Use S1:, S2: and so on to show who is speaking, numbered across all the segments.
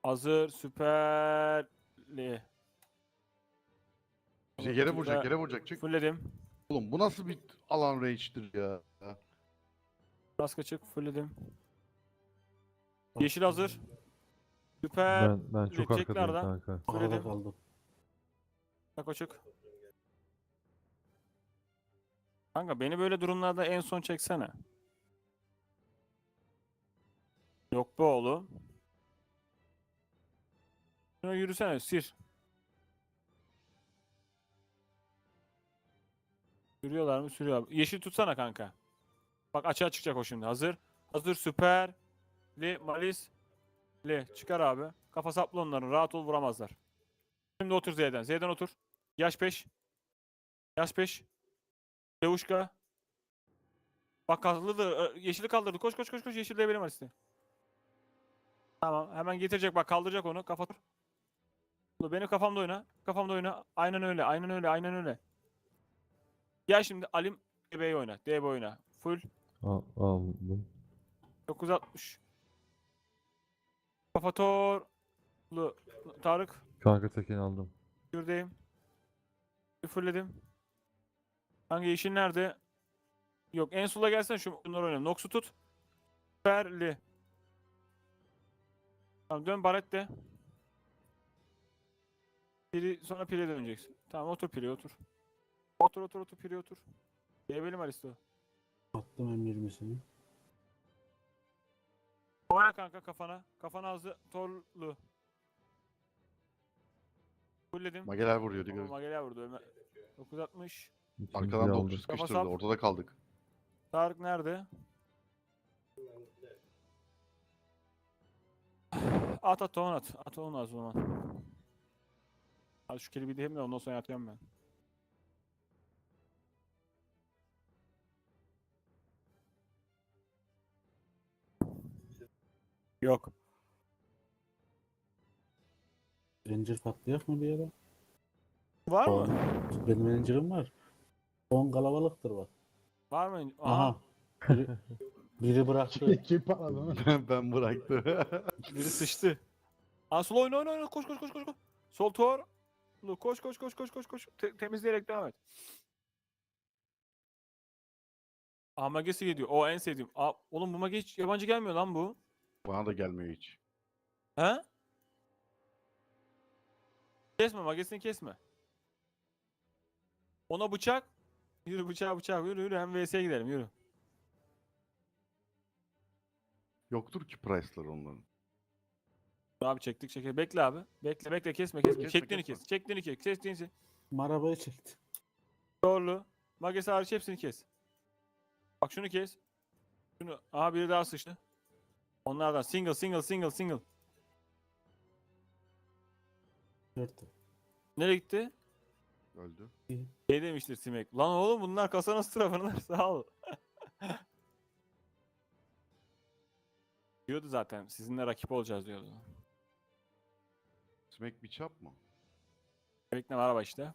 S1: Hazır süperli.
S2: Bize yere vuracak, yere vuracak. Çık.
S1: Fullledim.
S2: Oğlum bu nasıl bir alan range'dir ya?
S1: Raska çık. Fullledim. Yeşil hazır. Süper.
S3: Ben çok arkadayım
S1: Teklerden.
S3: kanka.
S4: Arada
S1: Fullledim.
S4: kaldım.
S1: Tako çık. Kanka beni böyle durumlarda en son çeksene. Yok be oğlum. Şuna yürüsene. Sir. Sürüyorlar mı? Sürüyorlar. Yeşil tutsana kanka. Bak açığa çıkacak o şimdi. Hazır. Hazır süper. Malis. Çıkar abi. Kafa saplı onların. Rahat ol vuramazlar. Şimdi otur Z'den. Z'den otur. Yaş 5. Yaş 5. Levuşka. Bak kaldırdı. Yeşili kaldırdı. Koş koş koş koş. Yeşil de benim Malis'te. Tamam. Hemen getirecek. Bak kaldıracak onu. Kafa tur. Benim kafamda oyna. Kafamda oyna. Aynen öyle. Aynen öyle. Aynen öyle. Gel şimdi Alim DB'yi oyna. DB oyna. Full.
S3: Aldım.
S1: 960. Kafa torlu. Tarık.
S3: Kanka tekini aldım.
S1: Şuradayım. Bir fullledim. Hangi yeşil nerede? Yok en sola gelsen şunları oynayalım. Nox'u tut. Süperli. Tamam dön Barret'te. Sonra Pire döneceksin. Tamam otur Pire otur. Otur Pire otur. Diyebilirim Aristo.
S4: Attım M20'sini.
S1: Oyna kanka kafana. Kafana hızlı torlu. Fullledim.
S2: Mageler vuruyor.
S1: Tamam
S2: Dikkat.
S1: Magelia vurdu. 960.
S3: İkinciyi
S2: Arkadan da
S3: aldım.
S2: okçu sıkıştırdı.
S1: sap.
S2: Ortada kaldık.
S1: Tarık nerede? At onu at. At onu az o zaman. Hadi şu kelebeği diyeyim de ondan sonra yatıyorum ben. Yok.
S4: Ranger patlayak mı bir yere?
S1: Var
S4: O-
S1: mı?
S4: Benim Ranger'ım var. 10 kalabalıktır bak.
S1: Var mı?
S4: Aha. Biri, biri bıraktı.
S5: Kim patladı lan?
S2: Ben bıraktım.
S1: Biri sıçtı. Aa sol oyna. Koş. Sol tor. Koş. Temizleyerek devam et. Aa Magesi geliyor. O en sevdiğim. Aa oğlum bu Mage hiç yabancı gelmiyor lan bu.
S2: Bana da gelmiyor hiç.
S1: He? Kesme Magesini kesme. Ona bıçak. Yürü bıçak. Yürü. Hem VS'ye gidelim yürü.
S2: Yoktur ki price'lar onların.
S1: Abi çektik. Bekle abi. Bekle kesme.
S2: Kesme,
S1: Çektiğini
S2: kesme.
S1: kes. Kestiğini kes.
S4: Arabayı çekti.
S1: Doğru. Magesi hariç hepsini kes. Bak şunu kes. Şunu. Aha biri daha sıçtı. Onlardan single.
S4: Gördü.
S1: Nereye gitti?
S2: Öldü.
S1: Şey demiştir Simek. Lan oğlum bunlar kasa nasıl tarafınlar sağ ol. Diyordu zaten sizinle rakip olacağız diyordu.
S2: Smack bir çap mı?
S1: Bekle araba işte.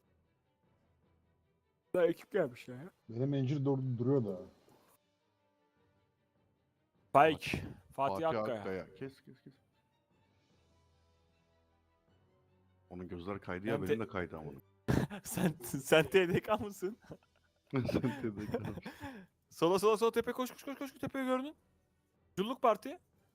S1: Daha ekip gelmiş ya.
S5: Benim encir duruyor da.
S1: Spike. Fatih Akkaya.
S2: Akkaya. Kes. Onun gözler kaydı ya
S1: Ben
S2: benim
S1: de-
S2: de kaydı ama.
S1: sen TDK mısın?
S2: Sen de
S1: Sola tepe koş tepeyi gördün. Culluk parti.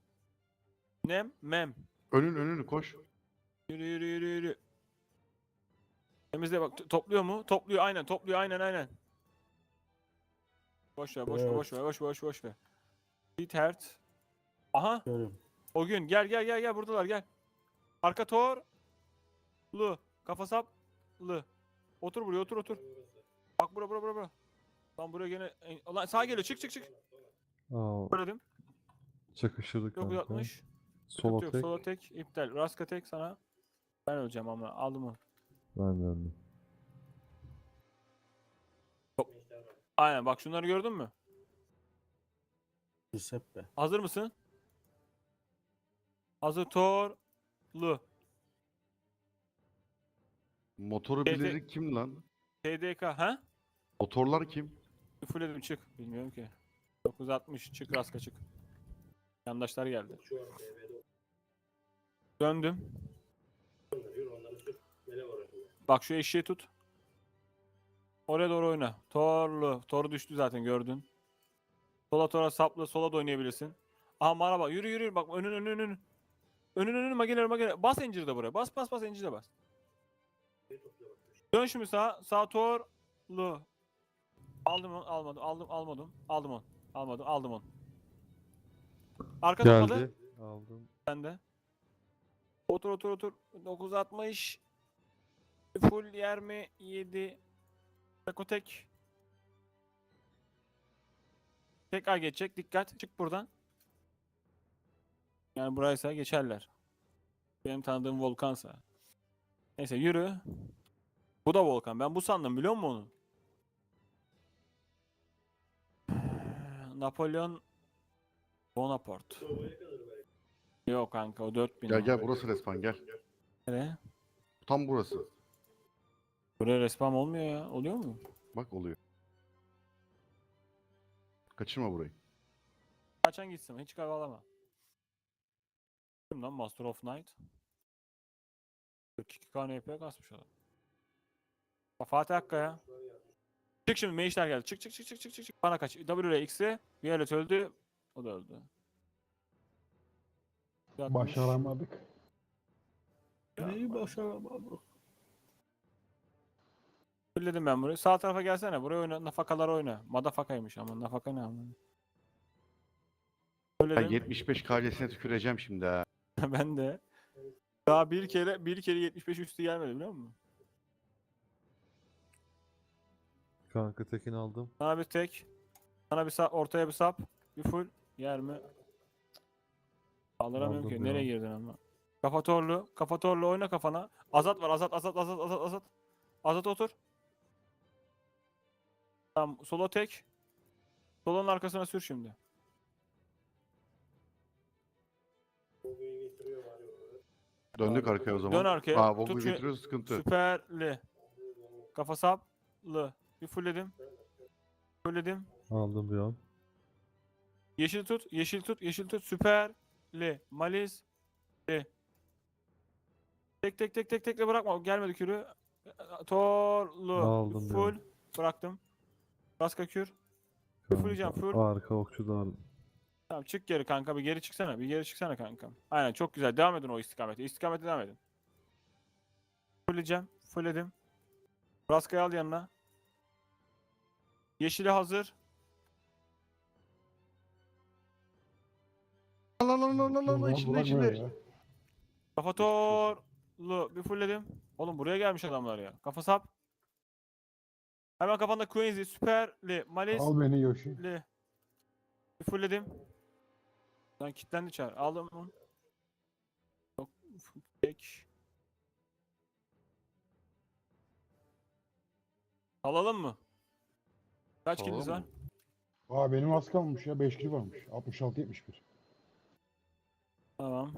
S1: Mem.
S2: önünü koş.
S1: Yürü. Temizle bak topluyor mu? Topluyor aynen. Boş ver. Bithert. Aha
S4: Görüyorum.
S1: o gün gel buradalar gel. Arka torlu. Kafa saplı. Otur buraya otur. Bak bura. Lan buraya gene lan sağa geliyor çık.
S3: Aa,
S1: Söyledim.
S3: çakışırdık kanka.
S1: 960.
S3: Sola
S1: Yok
S3: tek.
S1: sola tek iptal. Raska tek sana. Ben öleceğim ama aldım onu.
S3: Ben de öldüm.
S1: Aynen bak şunları gördün mü?
S4: Giuseppe.
S1: Hazır mısın? Hazır torlu.
S2: Motoru
S1: Evet,
S2: bileri kim lan?
S1: TDK ha?
S2: Motorlar kim?
S1: Fullledim çık. Bilmiyorum ki. 960 çık Raska çık. Yandaşlar geldi. Döndüm. Bak şu eşeği tut. Oraya doğru oyna. Torlu. Tor düştü zaten gördün. Sola tora saplı. Sola da oynayabilirsin. Aha bana bak. Yürü yürü. Bak önün. Önün mageler. Bas Encir'i de buraya. Bas Encir'i de bas. Dön şimdi sağa. Sağ torlu. Aldım onu. Aldım onu. Aldım onu. Arka tutmadı.
S3: Geldi. Aldım.
S1: Sen de. Otur. 960. Full yer mi? 7. Takotek. Tekrar geçecek. Dikkat. Çık buradan. Yani buraysa geçerler. Benim tanıdığım volkansa. Neyse yürü. Bu da volkan. Ben bu sandım biliyor musun onu? Napolyon Bonaparte. Yok kanka o 4000.
S2: Gel burası resmen gel.
S1: Nereye?
S2: Tam burası.
S1: Buraya respawn olmuyor ya. Oluyor mu?
S2: Bak oluyor. Kaçırma burayı.
S1: Kaçan gitsin. Hiç kavalama. Kim lan Master of Night? 42 KNP kasmış adam. Fatih Akkaya. Çık şimdi Meyişler geldi. Çık. Bana kaç. W ile X'e. Violet öldü. O da öldü. Yatmış.
S5: Başaramadık.
S4: Neyi başaramadık?
S1: Fulledim ben burayı. Sağ tarafa gelsene. Buraya oyna. Nafakalar oyna. Madafakaymış ama. Nafaka ne ama.
S2: Ben
S1: Fulledim.
S2: 75 KC'sine tüküreceğim şimdi ha.
S1: Ben de. Daha bir kere 75 üstü gelmedi biliyor musun?
S3: Kanka tekin aldım.
S1: Sana bir tek. Sana bir sap, ortaya bir sap. Bir full. Yer mi? Kaldıramıyorum
S3: Aldım
S1: ki.
S3: ya.
S1: Nereye girdin ama? Kafatorlu oyna kafana. Azat var. Azat. Azat otur. Tamam. Solo tek. Solonun arkasına sür şimdi.
S2: Döndük arkaya o zaman.
S1: Dön arkaya.
S2: Aa Vogu
S1: Tut şu-
S2: getiriyoruz sıkıntı.
S1: Süperli. Kafa saplı. Bir fullledim.
S3: Aldım bir an.
S1: Yeşil tut. Süperli. Malis. Tek bırakma. Gelmedi kürü. Torlu.
S3: Aldım
S1: Full. Bıraktım. Raska kür. Fulleyeceğim,
S3: Kanka.
S1: full.
S3: Arka okçu da aldım.
S1: Tamam çık geri kanka. Bir geri çıksana kanka. Aynen çok güzel. Devam edin o istikamete. İstikamete devam edin. Fullledim. Raskayı al yanına. Yeşili hazır.
S2: Lan içinde.
S5: Ya.
S1: Kafa torlu. Bir fullledim. Oğlum buraya gelmiş adamlar ya. Kafa sap. Hemen kafanda Queen'si. Süperli. Malis.
S5: Al beni Yoshi.
S1: Bir fullledim. Lan kilitlendi çağır. Aldım onu. Yok. Tek. Alalım mı? Kaç
S2: Alalım
S1: kiliniz var?
S2: mı?
S5: Aa benim az kalmış ya. 5 kilo varmış. 66-71.
S1: Tamam.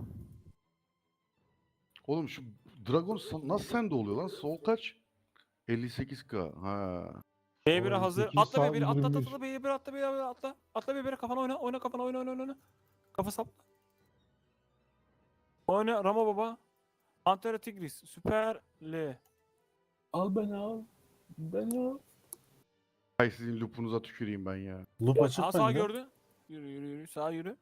S2: Oğlum şu Dragon nasıl sende oluyor lan? Sol kaç? 58K. Ha.
S1: B1'e
S5: Oğlum,
S1: hazır.
S5: 8
S1: Atla
S5: saat
S1: B1'e atla
S5: 21.
S1: B1'e atla B1'e atla. Atla B1'e kafana oyna. Oyna kafana oyna. Kafa sapla. Oyna Ramo baba. Antera Tigris. Süperli.
S4: Al beni al. Beni al.
S2: Ay sizin loopunuza tüküreyim ben ya.
S4: Loop açık
S1: Aa sağ
S4: bende.
S1: gördü. Yürü. Sağ yürü.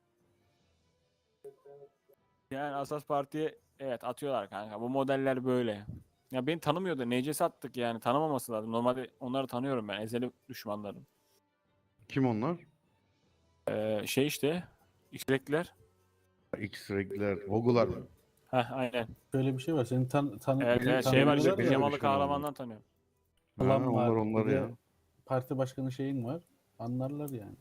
S1: Yani Asas Parti'ye evet atıyorlar kanka. Bu modeller böyle. Ya beni tanımıyordu. NCS attık yani. Tanımaması lazım. Normalde onları tanıyorum ben. Ezeli düşmanlarım.
S2: Kim onlar?
S1: Şey işte. X-Rek'ler.
S2: X-Reg'ler, Vogu'lar mı?
S1: Heh aynen.
S4: Şöyle bir şey var. Senin
S1: Evet şey var
S4: tanımıyorlar
S1: işte.
S4: ya.
S1: Pijamalı
S2: düşman
S1: kahramandan tanıyorum.
S2: Ha,
S4: Plan var.
S2: onlar
S4: Bir de
S2: ya.
S4: parti başkanı şeyin var. Anlarlar yani.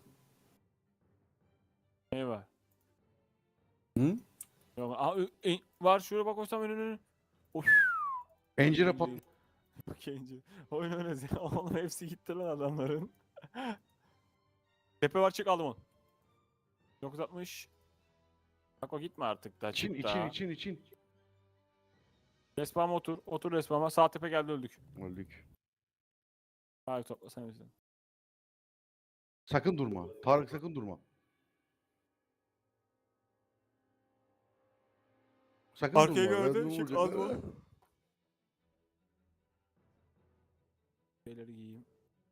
S1: Ne var?
S4: Hı?
S1: Yok. Aa, var şuraya bak olsam önünü. Of.
S2: Encire pat.
S1: Kenci. Oyun ya. Oğlum hepsi gitti lan adamların. Tepe var çık aldım onu. 960. Bak o gitme artık da.
S2: İçin,
S1: Çık daha.
S2: için.
S1: Respawn'a otur. Otur respawn'a. Sağ tepe geldi öldük.
S2: Öldük.
S1: Hayır toplasana bizi.
S2: Sakın durma. Tarık sakın durma. Sakın
S1: Arkayı
S2: durma.
S1: gördü.
S2: Ben
S1: Çık
S2: vuracağım.
S1: az vur. Şeyleri giyeyim.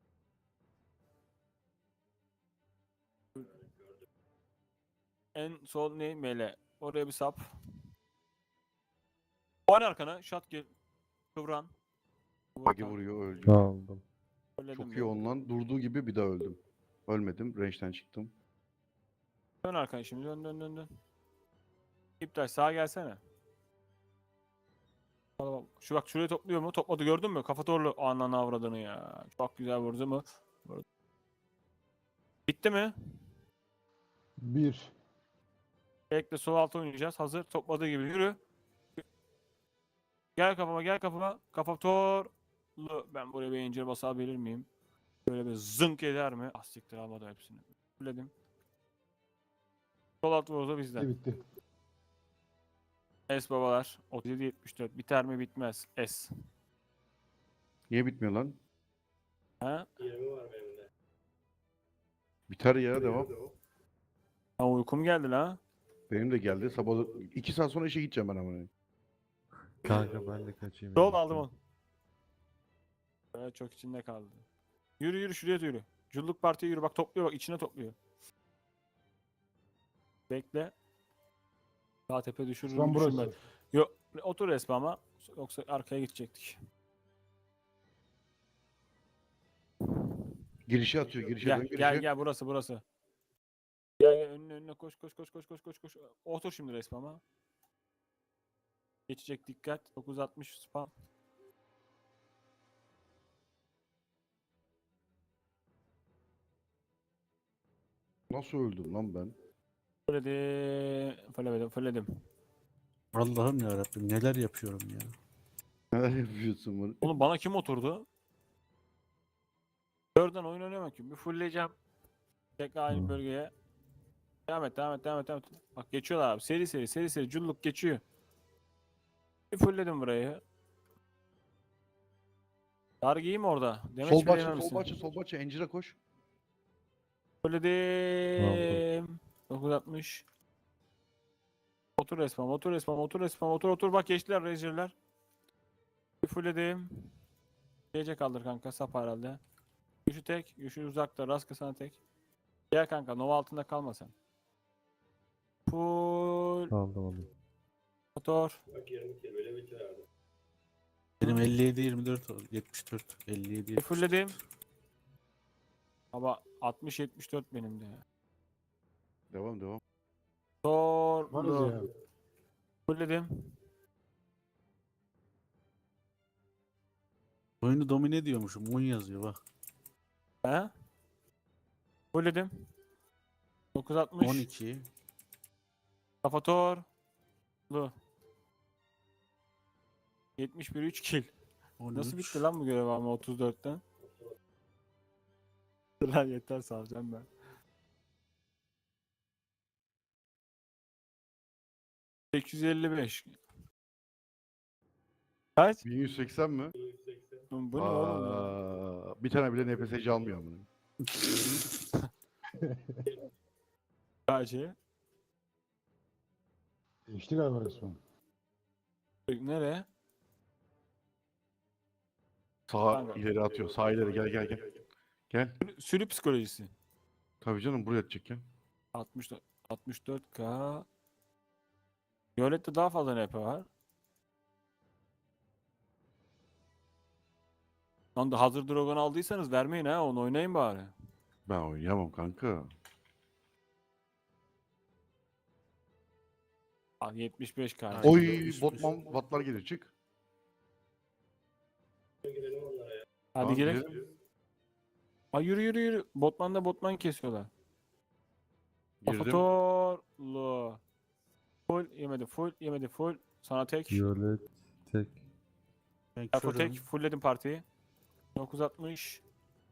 S1: En sol ne? Mele. Oraya bir sap. Oyna arkana. Şat gel. Kıvran.
S2: Bagi
S1: Kıvran.
S2: vuruyor öldü.
S3: Aldım.
S1: Söyledim
S2: Çok
S1: mi?
S2: iyi ondan. Durduğu gibi bir daha öldüm. Ölmedim. Range'den çıktım.
S1: Dön arkana şimdi. Dön dön dön dön. İptal sağa gelsene. Tamam. Şu bak şurayı topluyor mu? Topladı gördün mü? Kafa torlu ananı avradını ya. Çok güzel vurdu mu? Vurdu. Bitti mi?
S5: 1.
S1: Bekle sol alta oynayacağız. Hazır. Topladığı gibi yürü. Gel kafama gel kafama. Kafa torlu. Ben buraya bir incir basabilir miyim? Böyle bir zınk eder mi? Ah siktir almadı hepsini. Fulledim. Sol alt vurdu bizden.
S5: Bitti.
S1: S babalar. 37-74. Biter mi bitmez. S.
S2: Niye bitmiyor lan?
S1: Ha?
S2: Biter ya devam.
S1: Ha uykum geldi la.
S2: Benim de geldi. Sabah 2 saat sonra işe gideceğim ben ama.
S3: Kanka ben de kaçayım.
S1: Sol
S3: yavaştan.
S1: aldım onu. Evet çok içinde kaldı. Yürü yürü şuraya yürü. Culluk partiye yürü. Bak topluyor bak içine topluyor. Bekle. Sağ tepe düşürürüm.
S5: Son
S1: düşünme.
S5: burası.
S1: Yok otur resmi ama. Yoksa arkaya gidecektik.
S2: Girişe atıyor. Girişe
S1: Gel
S2: dön girişe.
S1: gel gel burası burası. Gel gel önüne önüne koş koş koş koş koş koş koş. Otur şimdi resmi ama. Geçecek dikkat. 960 spam.
S2: Nasıl öldüm lan ben?
S1: Fulledim. Fulledim. Fulledim.
S4: Allah'ım ya Rabbim neler yapıyorum ya.
S2: Neler yapıyorsun bunu?
S1: Oğlum bana kim oturdu? Dörden oyun oynayamam ki. Bir fullleyeceğim. Tekrar aynı
S3: Hı.
S1: bölgeye. Devam et, devam et, devam et, devam et. Bak geçiyorlar abi. Seri seri, seri seri. Culluk geçiyor. Bir fullledim burayı. Dar giyeyim orada. Demet
S2: Sol
S1: hiçbir
S2: bahçe,
S1: yememişsin.
S2: sol bahçe, sol bahçe. Encire koş.
S1: Fulledim. 960. Otur resmen, otur resmen, otur resmen, otur otur. Bak geçtiler Razor'lar. Bir fullledim. Gece kaldır kanka. Sap herhalde. Güçlü tek. Güçlü uzakta. Rastgele sana tek. Gel kanka. Nova altında kalma sen. Full.
S3: Aldım.
S1: Motor.
S4: Benim 57-24 oldu. 74. 57
S1: Bir fullledim. Ama 60-74 benim de.
S2: Devam devam.
S5: Varız
S1: Torlu.
S5: ya.
S1: Fullledim.
S4: Oyunu domine ediyormuşum. Mun yazıyor bak.
S1: He? Fullledim. 960.
S4: 12.
S1: Kafa torlu. 71 3 kill.
S4: 13.
S1: Nasıl bitti lan bu görev ama 34'ten? Lan yeter salacağım ben. 855. Kaç?
S2: 1180 mi?
S1: Bu ne oğlum ya?
S2: Bir tane bile NPS'ci almıyor amına.
S1: Kaç?
S5: Geçti galiba resmen.
S1: Nereye?
S2: Sağa
S1: Kanka.
S2: ileri atıyor. Sağ ileri gel gel gel. Gel.
S1: Sürü psikolojisi.
S2: Tabii canım buraya atacak ya.
S1: 64 64K. Violet'te daha fazla NP var. Lan da hazır Dragon aldıysanız vermeyin ha onu oynayın bari.
S2: Ben oynayamam kanka.
S1: Al 75K.
S4: Aynen.
S2: Oy
S4: 75.
S2: botman vatlar gelir çık.
S1: Hadi
S2: Tamam,
S1: girelim.
S2: girelim.
S1: Ay yürü yürü yürü. Botman kesiyorlar.
S2: Girdim.
S1: Kafatorlu. Full yemedi full yemedi full. Sana tek.
S3: Violet tek.
S4: Ben
S1: Taco
S4: körüm.
S1: tek. Fullledim partiyi. 960.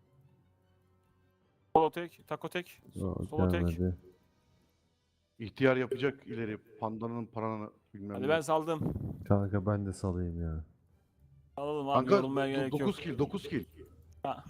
S1: Solo tek. Taco tek.
S3: O
S1: Solo tek.
S3: gelmedi.
S2: İhtiyar yapacak ileri. Pandanın paranı bilmem
S1: Hadi
S2: ne.
S1: ben saldım.
S3: Kanka ben de salayım ya.
S1: Alalım abi
S2: Kanka
S1: yorulmaya gerek yok.
S2: 9 kill 9 kill.
S1: Ha.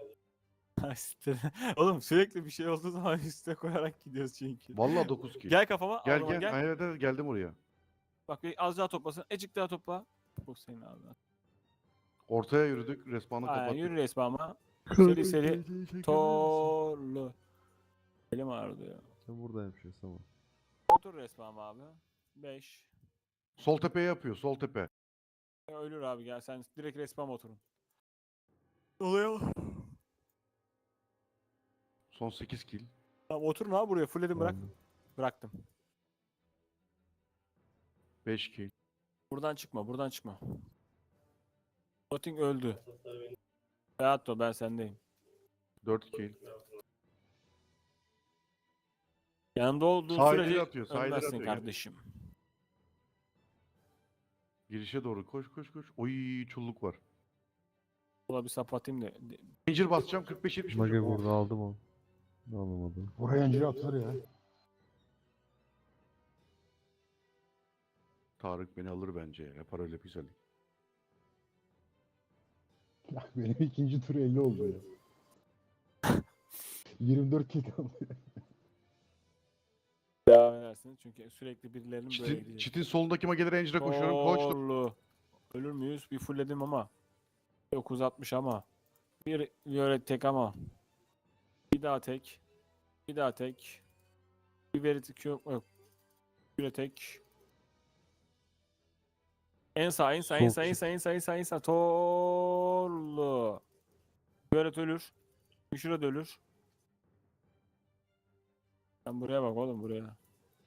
S1: Oğlum sürekli bir şey olduğu zaman üste koyarak gidiyoruz çünkü.
S2: Vallahi 9 kill.
S1: Gel kafama.
S2: Gel
S1: aldıma
S2: gel.
S1: gel.
S2: Aynen evet, geldim oraya.
S1: Bak az daha toplasın. Ecik daha topla. Bu senin ağzına.
S2: Ortaya yürüdük. Respawn'ı
S1: Aynen
S2: kapattık.
S1: yürü respawn'a. Seri seri.
S3: Tor.
S1: Torlu. Elim ağrıdı ya.
S3: Sen buradaymışsın ama.
S1: Otur respawn abi. 5.
S2: Sol tepeye yapıyor. Sol tepe.
S1: Ölür abi gel sen direkt respawn oturun. Oluyor.
S2: Son 8 kill.
S1: Tamam oturun abi buraya fullledim bırak.
S3: Tamam.
S1: Bıraktım.
S2: 5 kill.
S1: Buradan çıkma buradan çıkma. Voting öldü. Beato ben sendeyim.
S2: 4 kill.
S1: Yanında olduğun
S2: Sağ
S1: sürece
S2: ileri atıyor, sağ ileri
S1: ölmezsin
S2: atıyor.
S1: kardeşim.
S2: Girişe doğru. Koş koş koş. Oy çulluk var.
S1: Buna bir sap atayım da.
S2: Zincir basacağım. 45-70
S3: Mage
S2: vuracağım.
S3: burada aldım onu. Alamadım.
S5: Buraya incir atılır ya.
S2: Tarık beni alır bence. Yapar öyle güzellik.
S5: Ya benim ikinci tur 50 oldu ya. 24 kill kaldı.
S1: Devam edersiniz çünkü sürekli birilerinin böyle
S2: Çitin,
S1: gidecek.
S2: çitin solundaki Mage Ranger'a koşuyorum. Koştum.
S1: Torlu. Ölür müyüz? Bir fullledim ama. 960 ama. Bir violet tek ama. Bir daha tek. Bir daha tek. Bir violet yok. Bir tek. En sağ, en sağ, en sağ, en sağ, en sağ, en sağ, en sağ. Torlu. Violet ölür. Müşüre de ölür. Sen buraya bak oğlum buraya.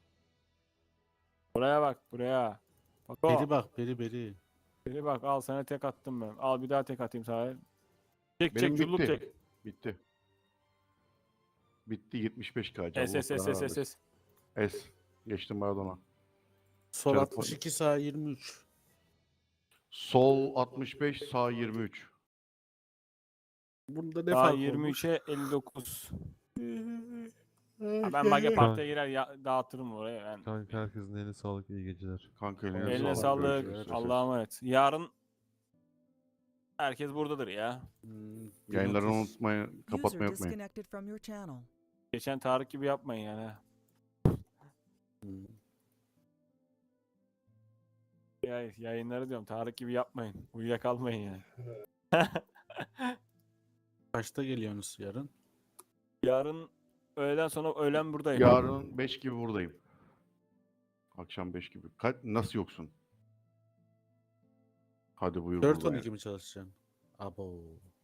S1: Buraya bak buraya. Bak o.
S4: Beri bak beri.
S1: Biri bak al sana tek attım ben. Al bir daha tek atayım sana. Çek
S2: Benim
S1: çek culluk
S2: bitti.
S1: tek.
S2: Bitti. Bitti 75k.
S1: S S S S S S.
S2: S. Geçtim Maradona.
S4: Sol
S2: Çarpı.
S4: 62 sağ 23.
S2: Sol 65, sağ 23.
S4: Bunda ne
S1: Daha
S4: fark olmuş?
S1: 23'e 59. Ha, ben Mage Park'ta girer dağıtırım oraya. Ben.
S3: Kanka herkesin eline sağlık, iyi geceler.
S2: Kanka
S4: Eline
S1: Eline
S2: sağlık.
S1: sağlık.
S2: Görüşürüz.
S1: Allah'a emanet. Yarın herkes buradadır ya.
S2: Yayınlarını
S4: 1030.
S2: unutmayın,
S6: User
S2: kapatmayı unutmayın.
S6: disconnected from your channel.
S1: Geçen Tarık gibi yapmayın yani. ha.
S4: Hmm.
S1: Yayınları diyorum Tarık gibi yapmayın. Uyuyakalmayın yani.
S4: Kaçta geliyorsunuz yarın?
S1: Yarın öğleden sonra öğlen buradayım.
S2: Yarın 5 gibi buradayım. Akşam 5 gibi. Nasıl yoksun? Hadi buyur.
S4: 4-12
S2: buradayım.
S4: mi çalışacaksın? Abo.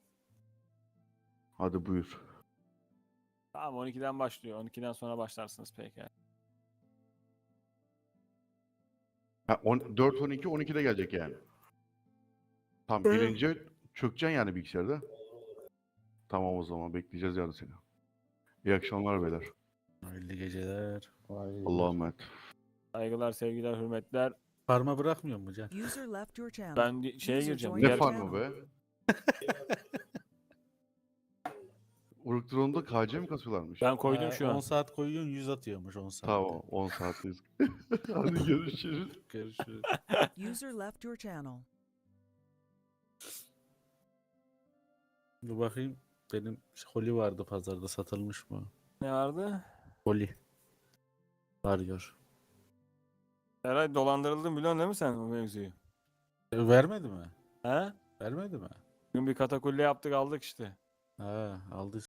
S2: Hadi buyur.
S1: Tamam 12'den başlıyor. 12'den sonra başlarsınız peki.
S2: Ha, 4-12, 12'de gelecek yani. Tam girince çökeceksin yani bilgisayarda. Tamam o zaman bekleyeceğiz yarın seni. İyi akşamlar beyler.
S4: Hayırlı geceler.
S5: Vay.
S2: Allah'a emanet.
S1: Saygılar, sevgiler, hürmetler.
S4: Parma bırakmıyor mu Can?
S6: User left your channel.
S1: Ben şeye
S6: User
S1: gireceğim.
S6: joined
S2: Ne
S1: Diğer,
S6: your
S2: farmı
S6: channel.
S2: be? Uruk KC mi kasıyorlarmış?
S1: ben koydum şu
S4: 10
S1: an.
S4: saat koyuyorsun 100 atıyormuş 10 saat.
S2: Tamam 10 saatteyiz. Hadi görüşürüz.
S4: Görüşürüz.
S6: User left your channel.
S4: Dur bakayım. Benim holi vardı pazarda satılmış mı?
S1: Ne vardı?
S4: Holi. Varıyor.
S1: Herhalde dolandırıldın biliyorsun değil mi sen o mevzuyu?
S4: Vermedi mi?
S1: He?
S4: Vermedi mi?
S1: Bugün bir katakulle yaptık aldık işte.
S4: Ha aldı